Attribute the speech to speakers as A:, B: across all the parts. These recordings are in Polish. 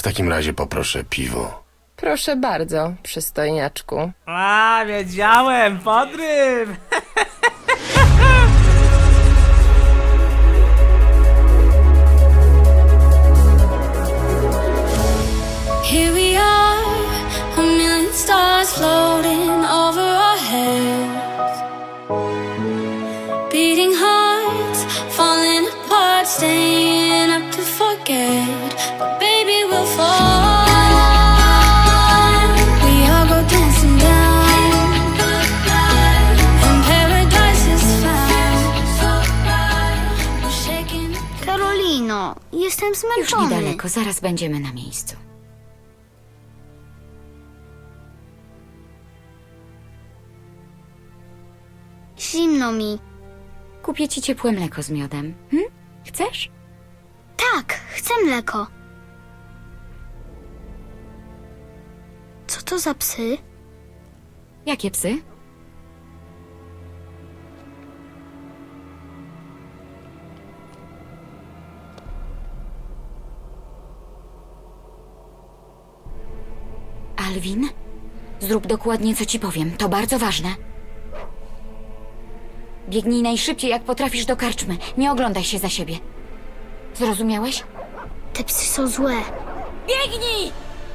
A: takim razie poproszę piwo.
B: Proszę bardzo, przystojniaczku.
C: A, wiedziałem, podryw!
D: Here we are, a million stars floating over our heads. Beating hearts, falling apart, staying up to forget. But baby, we'll fall. We all go dancing down, and paradise is found. We're shaking.
E: Karolino, jestem
F: Już
E: zmęczony.
F: niedaleko, zaraz będziemy na miejscu.
E: Zimno mi.
F: Kupię ci ciepłe mleko z miodem. Chcesz?
E: Tak, chcę mleko. Co to za psy?
F: Jakie psy? Alvin, zrób dokładnie, co ci powiem. To bardzo ważne. Biegnij najszybciej, jak potrafisz, do karczmy. Nie oglądaj się za siebie. Zrozumiałeś?
E: Te psy są złe.
F: Biegnij!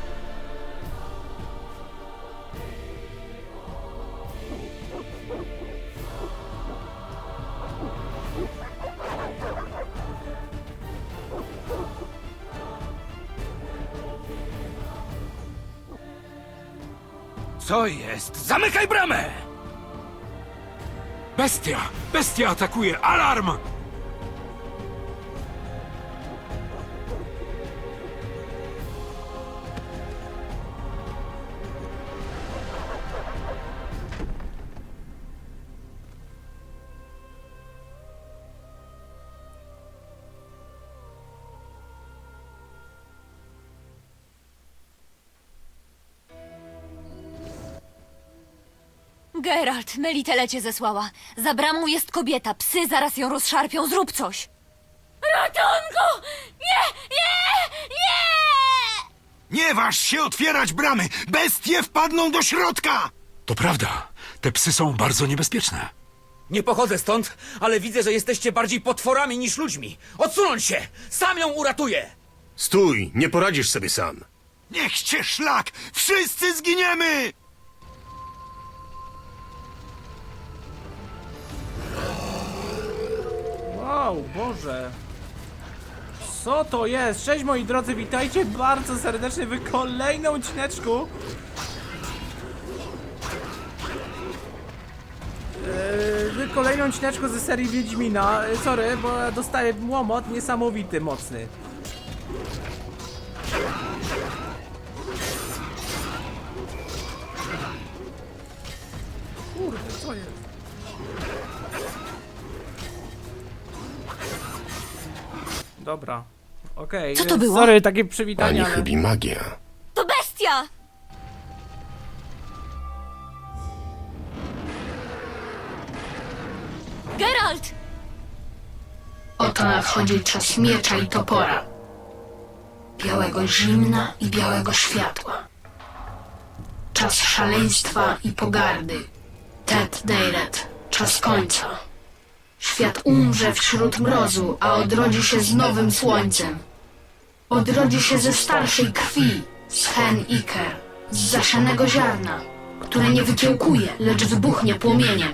G: Co jest? Zamykaj bramę!
H: Bestia! Bestia atakuje! Alarm!
I: Geralt, Melitele cię zesłała. Za bramą jest kobieta. Psy zaraz ją rozszarpią. Zrób coś. Ratunku! Nie! Nie! Nie!
H: Nie waż się otwierać bramy! Bestie wpadną do środka! To prawda. Te psy są bardzo niebezpieczne.
G: Nie pochodzę stąd, ale widzę, że jesteście bardziej potworami niż ludźmi. Odsunąć się! Sam ją uratuję!
A: Stój, nie poradzisz sobie sam.
H: Niech cię szlak! Wszyscy zginiemy!
C: Wow, Boże. Co to jest? Cześć moi drodzy, witajcie bardzo serdecznie w kolejnym odcineczku. W kolejnym odcineczku ze serii Wiedźmina. Sorry, bo ja dostaję łomot niesamowity, mocny. Kurde, co jest? Dobra, okej.
I: Co to było?
C: Sorry, takie przywitanie,
A: Pani
C: ale...
A: chybi magia.
I: To bestia! Geralt!
J: Oto nadchodzi czas miecza i topora. Białego zimna i białego światła. Czas szaleństwa i pogardy. Tet Deiret, czas końca. Świat umrze wśród mrozu, a odrodzi się z nowym słońcem. Odrodzi się ze starszej krwi, z hen Iker, z zasianego ziarna, które nie wykiełkuje, lecz wybuchnie płomieniem.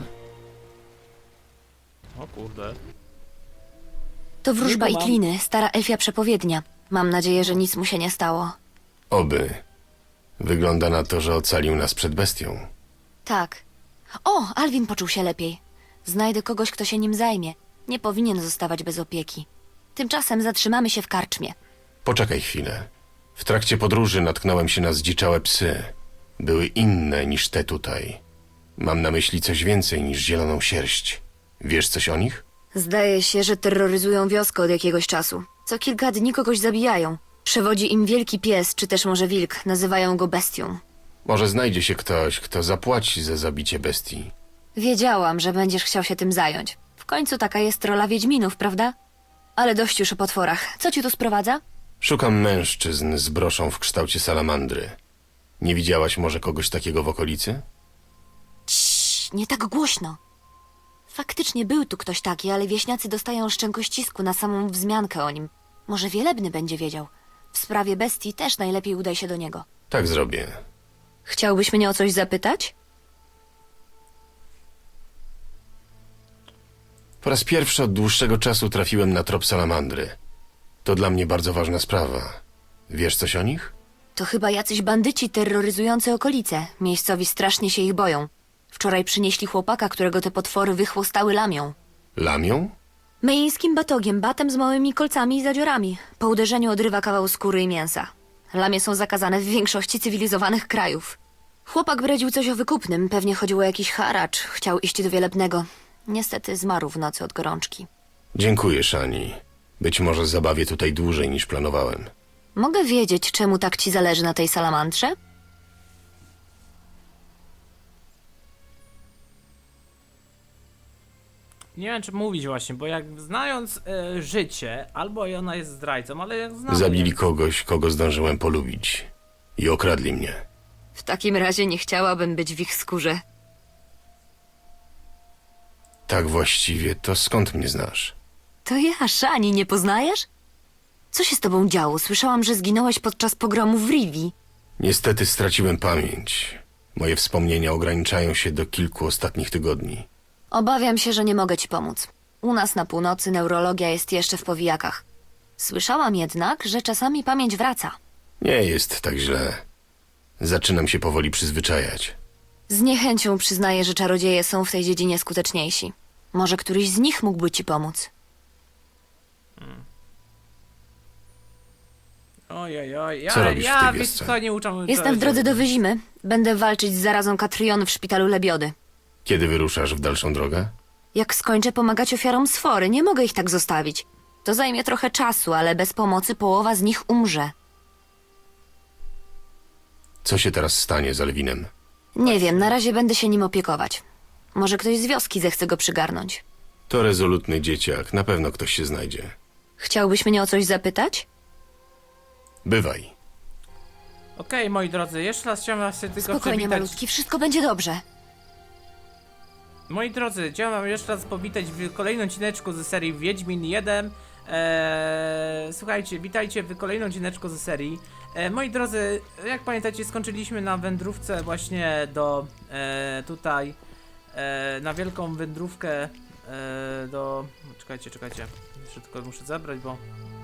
C: O kurde.
I: To wróżba
C: Nie kumam.
I: Itliny, stara elfia przepowiednia. Mam nadzieję, że nic mu się nie stało.
A: Oby. Wygląda na to, że ocalił nas przed bestią.
I: Tak. O, Alvin poczuł się lepiej. Znajdę kogoś, kto się nim zajmie. Nie powinien zostawać bez opieki. Tymczasem zatrzymamy się w karczmie.
A: Poczekaj chwilę. W trakcie podróży natknąłem się na zdziczałe psy. Były inne niż te tutaj. Mam na myśli coś więcej niż zieloną sierść. Wiesz coś o nich?
I: Zdaje się, że terroryzują wioskę od jakiegoś czasu. Co kilka dni kogoś zabijają. Przewodzi im wielki pies, czy też może wilk. Nazywają go bestią.
A: Może znajdzie się ktoś, kto zapłaci za zabicie bestii.
I: Wiedziałam, że będziesz chciał się tym zająć. W końcu taka jest rola wiedźminów, prawda? Ale dość już o potworach. Co ci tu sprowadza?
A: Szukam mężczyzn z broszą w kształcie salamandry. Nie widziałaś może kogoś takiego w okolicy?
I: Ciii, nie tak głośno. Faktycznie był tu ktoś taki, ale wieśniacy dostają szczękościsku na samą wzmiankę o nim. Może Wielebny będzie wiedział. W sprawie bestii też najlepiej udaj się do niego.
A: Tak zrobię.
I: Chciałbyś mnie o coś zapytać?
A: Po raz pierwszy od dłuższego czasu trafiłem na trop salamandry. To dla mnie bardzo ważna sprawa. Wiesz coś o nich?
I: To chyba jacyś bandyci terroryzujący okolice. Miejscowi strasznie się ich boją. Wczoraj przynieśli chłopaka, którego te potwory wychłostały lamią.
A: Lamią?
I: Myjskim batogiem, batem z małymi kolcami i zadziorami. Po uderzeniu odrywa kawał skóry i mięsa. Lamie są zakazane w większości cywilizowanych krajów. Chłopak bredził coś o wykupnym, pewnie chodziło o jakiś haracz. Chciał iść do Wielebnego. Niestety zmarł w nocy od gorączki.
A: Dziękuję, Shani. Być może zabawię tutaj dłużej niż planowałem.
I: Mogę wiedzieć, czemu tak ci zależy na tej salamandrze?
C: Nie wiem, czy mówić właśnie, bo jak znając życie, albo ona jest zdrajcą, ale jak znam...
A: Zabili kogoś, kogo zdążyłem polubić. I okradli mnie.
I: W takim razie nie chciałabym być w ich skórze.
A: Tak właściwie, to skąd mnie znasz?
I: To ja, Shani, nie poznajesz? Co się z tobą działo? Słyszałam, że zginąłeś podczas pogromu w Rivi.
A: Niestety straciłem pamięć. Moje wspomnienia ograniczają się do kilku ostatnich tygodni.
I: Obawiam się, że nie mogę ci pomóc. U nas na północy neurologia jest jeszcze w powijakach. Słyszałam jednak, że czasami pamięć wraca.
A: Nie jest tak źle. Zaczynam się powoli przyzwyczajać.
I: Z niechęcią przyznaję, że czarodzieje są w tej dziedzinie skuteczniejsi. Może któryś z nich mógłby ci pomóc.
C: Ojej,
A: Co robisz w tej
C: ja wiesz
A: wiosce?
C: co, nie uczam...
I: Jestem w drodze do Wyzimy. Będę walczyć z zarazą Katriony w szpitalu Lebiody.
A: Kiedy wyruszasz w dalszą drogę?
I: Jak skończę pomagać ofiarom sfory, nie mogę ich tak zostawić. To zajmie trochę czasu, ale bez pomocy połowa z nich umrze.
A: Co się teraz stanie z Alwinem?
I: Nie wiem, na razie będę się nim opiekować. Może ktoś z wioski zechce go przygarnąć.
A: To rezolutny dzieciak, na pewno ktoś się znajdzie.
I: Chciałbyś mnie o coś zapytać?
A: Bywaj.
C: Okej, moi drodzy, jeszcze raz chciałem was się tylko
I: Spokojnie,
C: przywitać.
I: malutki, wszystko będzie dobrze.
C: Moi drodzy, chciałem wam jeszcze raz powitać w kolejnym odcineczku ze serii Wiedźmin 1. Słuchajcie, witajcie w kolejnym odcineczku ze serii. Moi drodzy, jak pamiętacie, skończyliśmy na wędrówce właśnie do tutaj, na wielką wędrówkę do... Czekajcie, jeszcze tylko muszę zabrać, bo...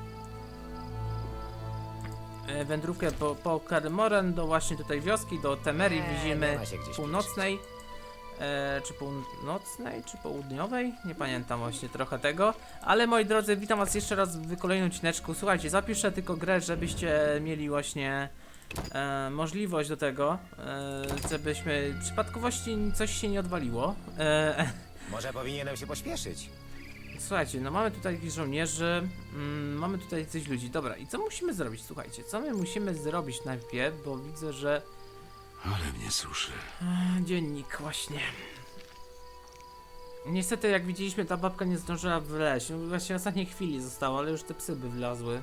C: wędrówkę po Kermoren do właśnie tutaj wioski, do Temerii Wyzimy północnej. Czy północnej, czy południowej? Nie pamiętam właśnie trochę tego. Ale moi drodzy, witam was jeszcze raz w kolejnym odcineczku. Słuchajcie, zapiszę tylko grę, żebyście mieli właśnie możliwość do tego, żebyśmy w przypadkowości coś się nie odwaliło.
K: Może powinienem się pośpieszyć.
C: Słuchajcie, no mamy tutaj jakichś żołnierzy, mamy tutaj coś ludzi. Dobra, i co musimy zrobić? Słuchajcie, co my musimy zrobić najpierw, bo widzę, że...
H: Ale mnie suszy.
C: Dziennik, właśnie. Niestety, jak widzieliśmy, ta babka nie zdążyła wleźć. No, właśnie w ostatniej chwili została, ale już te psy by wlazły.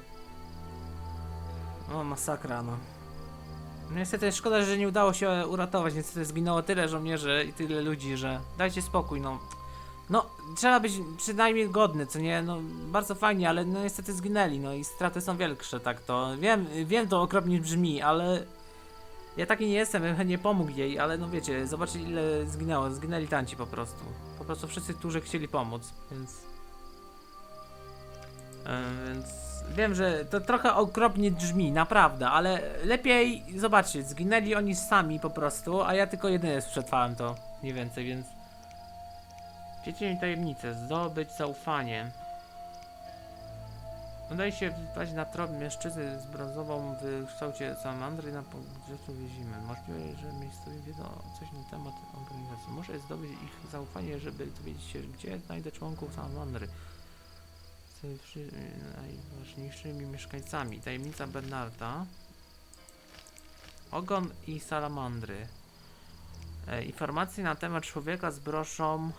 C: O, masakra, no. Niestety, szkoda, że nie udało się uratować. Niestety, zginęło tyle żołnierzy i tyle ludzi, że... Dajcie spokój, no. No, trzeba być przynajmniej godny, co nie? No, bardzo fajnie, ale no niestety zginęli, no i straty są większe, tak to. Wiem, to okropnie brzmi, ale... Ja taki nie jestem, bym chętnie pomógł jej, ale no wiecie, zobaczcie ile zginęło, zginęli tanci po prostu. Po prostu wszyscy, którzy chcieli pomóc, więc... Więc wiem, że to trochę okropnie brzmi, naprawdę, ale lepiej, zobaczcie, zginęli oni sami po prostu, a ja tylko jedyny przetrwałem to, mniej więcej, więc... Wiecie mi tajemnicę, zdobyć zaufanie. Udaje się wpaść na trop mężczyzny z brązową w kształcie salamandry na podrzeczu Wyzimy. Możliwe, że miejscowi wiedzą coś na temat organizacji. Muszę zdobyć ich zaufanie, żeby dowiedzieć się, gdzie znajdę członków salamandry. Z najważniejszymi mieszkańcami. Tajemnica Bernarda. Ogon i salamandry. Informacje na temat człowieka z broszą.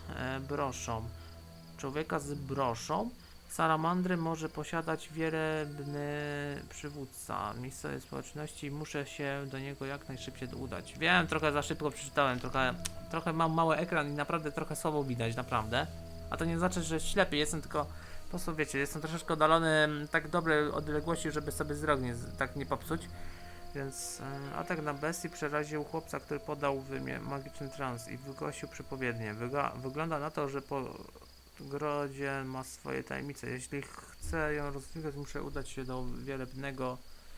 C: Człowieka z broszą. Salamandry może posiadać wielebny przywódca miejscowej społeczności. Muszę się do niego jak najszybciej udać. Wiem, trochę za szybko przeczytałem, trochę mam mały ekran i naprawdę trochę słabo widać, naprawdę. A to nie znaczy, że ślepy jestem, tylko po prostu wiecie, jestem troszeczkę oddalony tak dobrej odległości, żeby sobie wzrok tak nie popsuć. Więc atak na bestii przeraził chłopca, który podał magiczny trans i wygłosił przepowiednię. Wygląda na to, że po grodzie ma swoje tajemnice. Jeśli chcę ją rozwinąć, muszę udać się do wielebnego.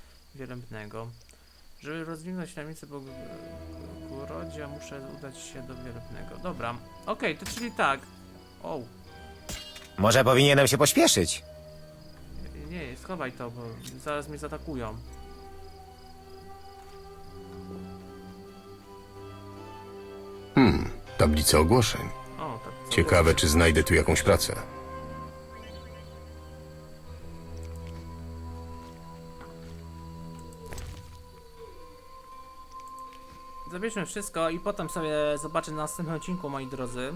C: Żeby rozwinąć tajemnicę po grodzie, muszę udać się do wielebnego. Dobra, okej, to czyli tak. O,
K: Może powinienem się pośpieszyć?
C: nie, schowaj to, bo zaraz mnie zaatakują.
A: Tablica ogłoszeń.
C: O, tak. co
A: Ciekawe, czy znajdę tu jakąś pracę.
C: Zabierzmy wszystko i potem sobie zobaczę na następnym odcinku, moi drodzy.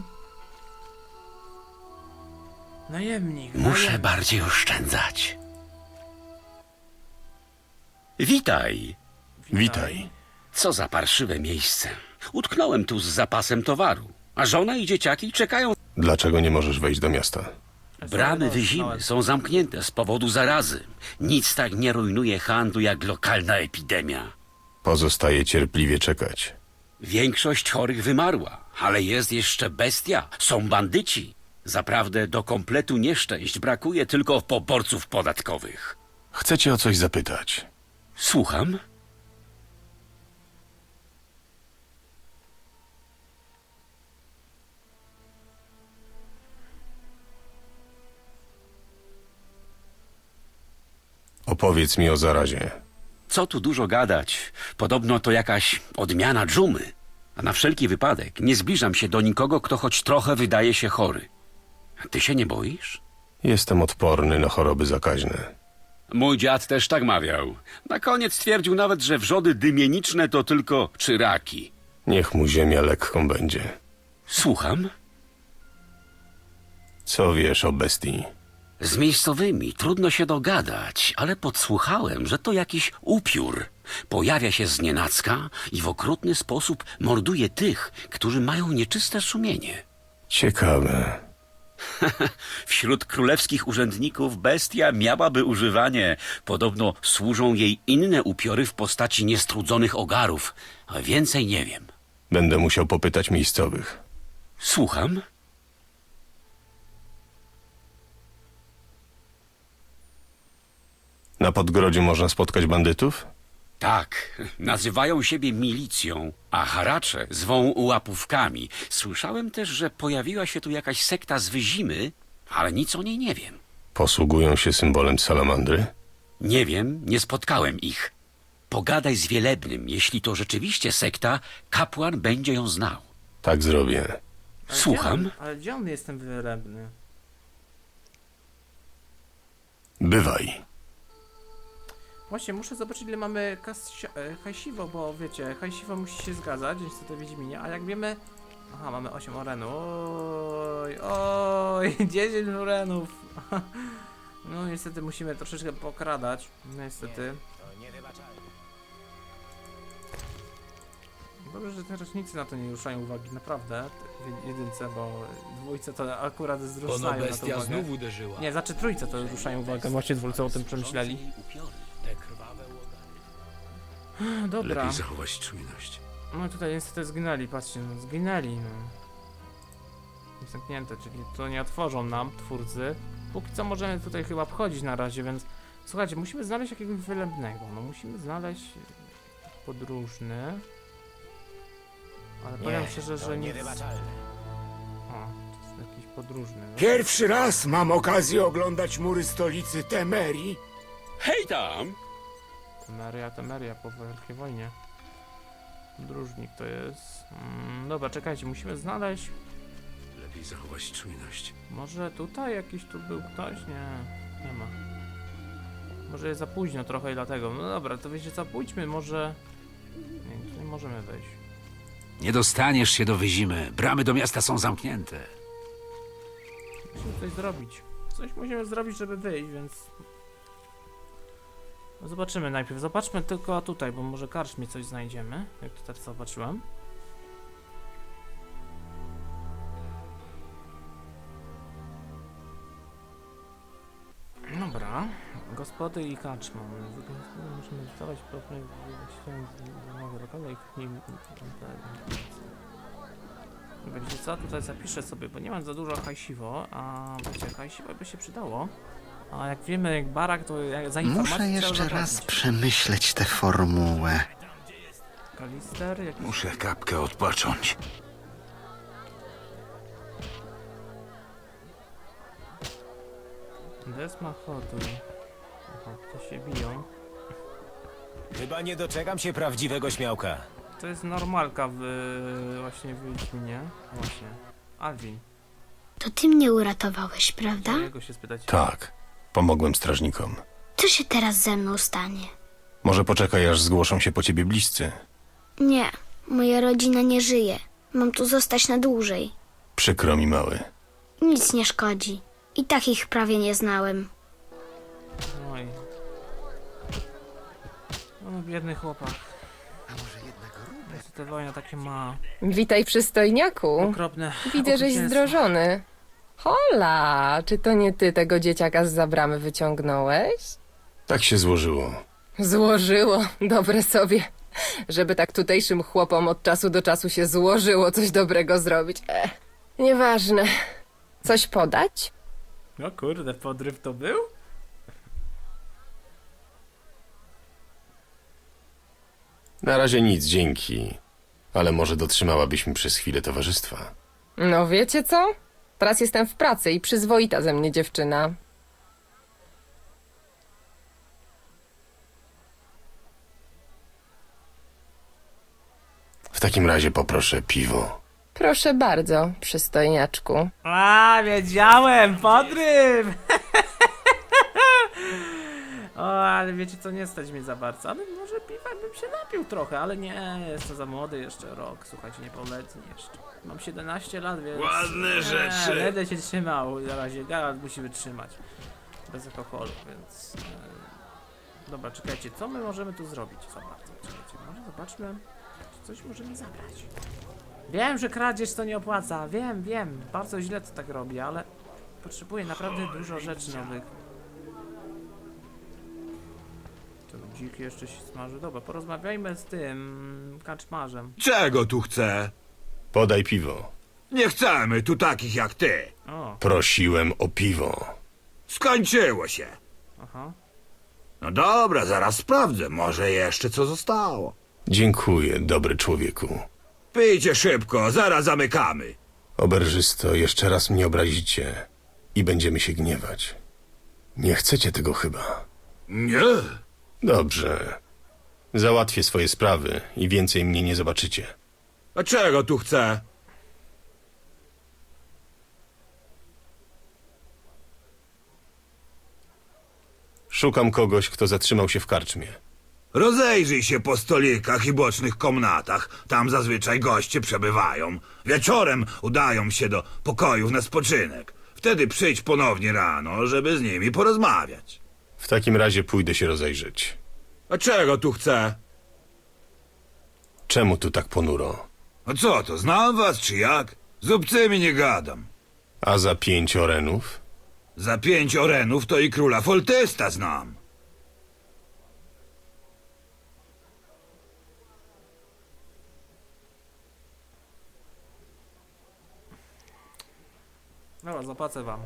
C: Najemnik.
L: Muszę bardziej oszczędzać. Witaj.
A: Witaj.
L: Co za parszywe miejsce. Utknąłem tu z zapasem towaru, a żona i dzieciaki czekają.
A: Dlaczego nie możesz wejść do miasta?
L: Bramy Wyzimy są zamknięte z powodu zarazy. Nic tak nie rujnuje handlu jak lokalna epidemia.
A: Pozostaje cierpliwie czekać.
L: Większość chorych wymarła, ale jest jeszcze bestia. Są bandyci. Zaprawdę do kompletu nieszczęść brakuje tylko poborców podatkowych.
A: Chcę cię o coś zapytać.
L: Słucham?
A: Opowiedz mi o zarazie.
L: Co tu dużo gadać? Podobno to jakaś odmiana dżumy. A na wszelki wypadek nie zbliżam się do nikogo, kto choć trochę wydaje się chory. A ty się nie boisz?
A: Jestem odporny na choroby zakaźne.
L: Mój dziad też tak mawiał. Na koniec twierdził nawet, że wrzody dymieniczne to tylko czyraki.
A: Niech mu ziemia lekką będzie.
L: Słucham?
A: Co wiesz o bestii?
L: Z miejscowymi trudno się dogadać, ale podsłuchałem, że to jakiś upiór. Pojawia się znienacka i w okrutny sposób morduje tych, którzy mają nieczyste sumienie.
A: Ciekawe.
L: Wśród królewskich urzędników bestia miałaby używanie. Podobno służą jej inne upiory w postaci niestrudzonych ogarów, a więcej nie wiem.
A: Będę musiał popytać miejscowych.
L: Słucham?
A: Na Podgrodziu można spotkać bandytów?
L: Tak, nazywają siebie milicją, a haracze zwą łapówkami. Słyszałem też, że pojawiła się tu jakaś sekta z Wyzimy, ale nic o niej nie wiem.
A: Posługują się symbolem salamandry?
L: Nie wiem, nie spotkałem ich. Pogadaj z Wielebnym, jeśli to rzeczywiście sekta, kapłan będzie ją znał.
A: Tak zrobię.
L: Słucham?
C: Ale gdzie on jest ten wyrębny?
A: Bywaj.
C: Właśnie, muszę zobaczyć, ile mamy hajsiwo, bo wiecie, hajsiwo musi się zgadzać, niestety Wiedźminie, a jak wiemy... Aha, mamy 8 orenów. Oj, 10 orenów. No niestety musimy troszeczkę pokradać, niestety. Dobrze, że te rocznicy na to nie ruszają uwagi, naprawdę, w jedynce, bo dwójce to akurat zwracają na to uwagę.
G: znów uderzyła.
C: Nie, znaczy trójce to ruszają uwagę, właśnie dwójce o tym przemyśleli. Dobra.
H: Lepiej zachować czujność.
C: No tutaj niestety zginęli, patrzcie, no zginęli, no. Zamknięte, czyli to nie otworzą nam twórcy. Póki co możemy tutaj chyba wchodzić na razie, więc... Słuchajcie, musimy znaleźć jakiegoś wylębnego, no musimy znaleźć podróżny. Ale powiem szczerze, że nic... O, to jest jakiś podróżny. No.
H: Pierwszy raz mam okazję oglądać mury stolicy Temerii.
L: Hej tam!
C: Temeria po Wielkiej Wojnie. Podróżnik to jest... dobra, czekajcie, musimy znaleźć...
H: Lepiej zachować czujność.
C: Może tutaj jakiś tu był ktoś? Nie ma. Może jest za późno trochę i dlatego. No dobra, to wiecie co, pójdźmy może... Nie, tu nie możemy wejść.
H: Nie dostaniesz się do Wyzimy. Bramy do miasta są zamknięte.
C: Musimy coś zrobić. Coś musimy zrobić, żeby wyjść, więc... Zobaczymy najpierw. Zobaczmy tylko tutaj, bo może karczmie coś znajdziemy. Jak to teraz zobaczyłem. Dobra. Gospody i karczma. Musimy dostawać pewne nowe lokale i w nim... Wiecie co? Tutaj zapiszę sobie, bo nie mam za dużo hajsiwo, a wiecie, hajsiwo by się przydało. A jak wiemy, jak barak, to za informację
M: Muszę jeszcze raz przemyśleć tę formułę.
C: Kalister, jakiś...
H: Muszę kapkę odpocząć.
C: Desma Hotu. Aha, to się biją.
K: Chyba nie doczekam się prawdziwego śmiałka.
C: To jest normalka właśnie w Wiedźminie. Właśnie. Alvin.
E: To ty mnie uratowałeś, prawda?
C: Jego się spytać.
A: Tak, pomogłem strażnikom.
E: Co się teraz ze mną stanie?
A: Może poczekaj, aż zgłoszą się po ciebie bliscy.
E: Nie, moja rodzina nie żyje. Mam tu zostać na dłużej.
A: Przykro mi, mały.
E: Nic nie szkodzi. I tak ich prawie nie znałem.
C: Oj. No, biedny chłopak. Ta wojna takie ma
B: Witaj, przystojniaku.
C: okropne
B: Widzę, żeś
C: okrucieństwo.
B: zdrożony. Hola, czy to nie ty tego dzieciaka z zabramy wyciągnąłeś?
A: Tak się złożyło.
B: Złożyło, dobre sobie. Żeby tak tutejszym chłopom od czasu do czasu się złożyło coś dobrego zrobić. Nieważne. Coś podać?
C: No kurde, podryw to był?
A: Na razie nic, dzięki. Ale może dotrzymałabyś mi przez chwilę towarzystwa.
B: No wiecie co? Teraz jestem w pracy i przyzwoita ze mnie dziewczyna.
A: W takim razie poproszę piwo.
B: Proszę bardzo, przystojniaczku.
C: A, wiedziałem! Podryw! O, ale wiecie co, nie stać mnie za bardzo. Ale może piwa bym się napił trochę, ale nie, jestem za młody jeszcze rok. Słuchajcie, niepełnoletni jeszcze. Mam 17 lat, więc...
H: Ładne rzeczy.
C: Będę się trzymał na razie. Geralt musi wytrzymać. Bez alkoholu, więc... Dobra, czekajcie, co my możemy tu zrobić za bardzo? Czekajcie, może zobaczmy, czy coś możemy zabrać. Wiem, że kradzież to nie opłaca, wiem, bardzo źle to tak robi, ale potrzebuję naprawdę dużo rzeczy nowych. To dzik jeszcze się smaży. Dobra, porozmawiajmy z tym kaczmarzem.
H: Czego tu chcę?
A: Podaj piwo.
H: Nie chcemy tu takich jak ty.
C: O,
A: Prosiłem o piwo.
H: Skończyło się.
C: aha.
H: No dobra, zaraz sprawdzę. Może jeszcze co zostało.
A: Dziękuję, dobry człowieku.
H: Pijcie szybko, zaraz zamykamy.
A: Oberżysto, jeszcze raz mnie obrazicie i będziemy się gniewać. Nie chcecie tego chyba.
H: Nie.
A: Dobrze. Załatwię swoje sprawy i więcej mnie nie zobaczycie.
H: A czego tu chcę?
A: Szukam kogoś, kto zatrzymał się w karczmie.
H: Rozejrzyj się po stolikach i bocznych komnatach. Tam zazwyczaj goście przebywają. Wieczorem udają się do pokojów na spoczynek. Wtedy przyjdź ponownie rano, żeby z nimi porozmawiać.
A: W takim razie pójdę się rozejrzeć.
H: A czego tu chcę?
A: Czemu tu tak ponuro?
H: A co to, znam was czy jak? Z obcymi nie gadam.
A: A za 5 orenów?
H: Za 5 orenów to i króla Foltesta znam.
C: Dobra, zapłacę wam.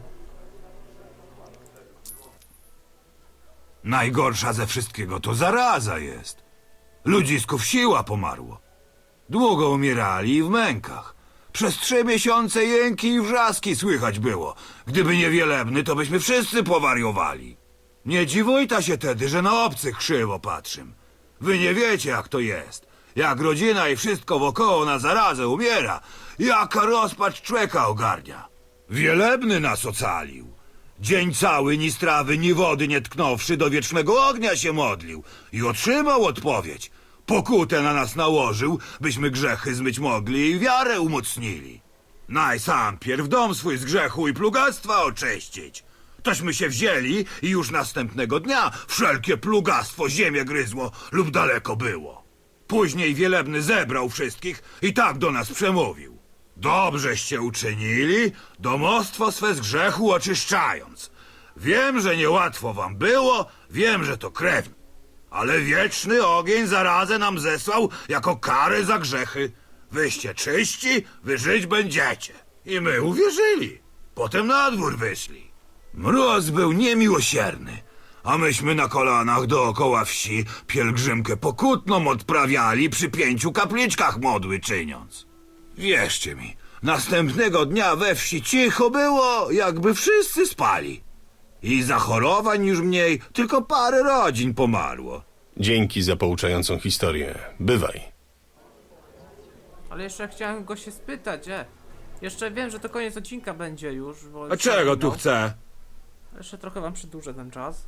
H: Najgorsza ze wszystkiego to zaraza jest. Ludzisków siła pomarło. Długo umierali i w mękach. Przez 3 miesiące jęki i wrzaski słychać było. Gdyby nie Wielebny, to byśmy wszyscy powariowali. Nie dziwujta się tedy, że na obcych krzywo patrzym. Wy nie wiecie, jak to jest. Jak rodzina i wszystko wokoło na zarazę umiera, jaka rozpacz człowieka ogarnia. Wielebny nas ocalił. Dzień cały ni strawy, ni wody nie tknąwszy, do wiecznego ognia się modlił i otrzymał odpowiedź. Pokutę na nas nałożył, byśmy grzechy zmyć mogli i wiarę umocnili. Naj sam pierw dom swój z grzechu i plugastwa oczyścić. Tośmy się wzięli i już następnego dnia wszelkie plugastwo ziemię gryzło lub daleko było. Później Wielebny zebrał wszystkich i tak do nas przemówił. Dobrzeście uczynili, domostwo swe z grzechu oczyszczając. Wiem, że niełatwo wam było, wiem, że to krewni. Ale wieczny ogień zarazę nam zesłał jako karę za grzechy. Wyście czyści, wy żyć będziecie. I my uwierzyli. Potem na dwór wyszli. Mróz był niemiłosierny, a myśmy na kolanach dookoła wsi pielgrzymkę pokutną odprawiali przy 5 kapliczkach modły czyniąc. Wierzcie mi, następnego dnia we wsi cicho było, jakby wszyscy spali. I zachorowań już mniej, tylko parę rodzin pomarło.
A: Dzięki za pouczającą historię. Bywaj.
C: Ale jeszcze chciałem go się spytać, Jeszcze wiem, że to koniec odcinka będzie już, bo...
H: A czego tu chce?
C: Jeszcze trochę wam przedłużę ten czas.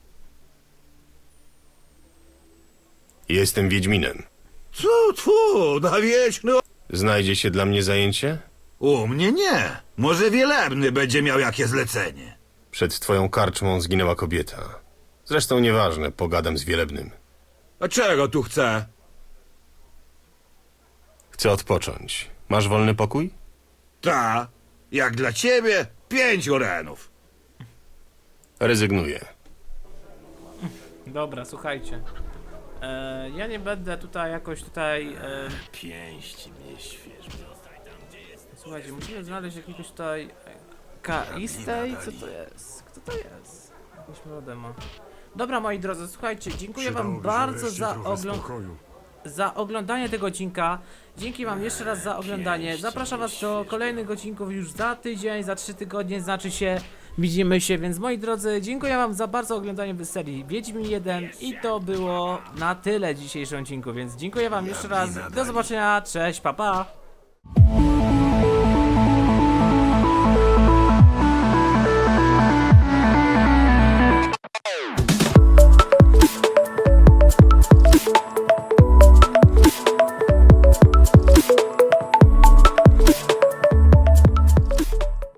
A: Jestem Wiedźminem.
H: Tfu, na wieczny...
A: Znajdzie się dla mnie zajęcie?
H: U mnie nie. Może Wielebny będzie miał jakie zlecenie.
A: Przed twoją karczmą zginęła kobieta. Zresztą nieważne, pogadam z Wielebnym.
H: A czego tu chce?
A: Chcę odpocząć. Masz wolny pokój?
H: Ta, jak dla ciebie 5 orenów.
A: Rezygnuję.
C: Dobra, słuchajcie. Ja nie będę tutaj jakoś tutaj...
K: Pięści mnie świeżo.
C: Słuchajcie, musimy znaleźć jakiegoś tutaj... Kaistej? Co to jest? Kto to jest? Jakąś młodę ma. Dobra, moi drodzy, słuchajcie, dziękuję wam bardzo za oglądanie tego odcinka. Dzięki wam jeszcze raz za oglądanie. Zapraszam was do kolejnych odcinków już za tydzień, za 3 tygodnie, znaczy się widzimy się, więc moi drodzy, dziękuję wam za bardzo oglądanie serii Wiedźmin 1 i to było na tyle w dzisiejszym odcinku, więc dziękuję wam jeszcze raz. Do zobaczenia, cześć, pa pa!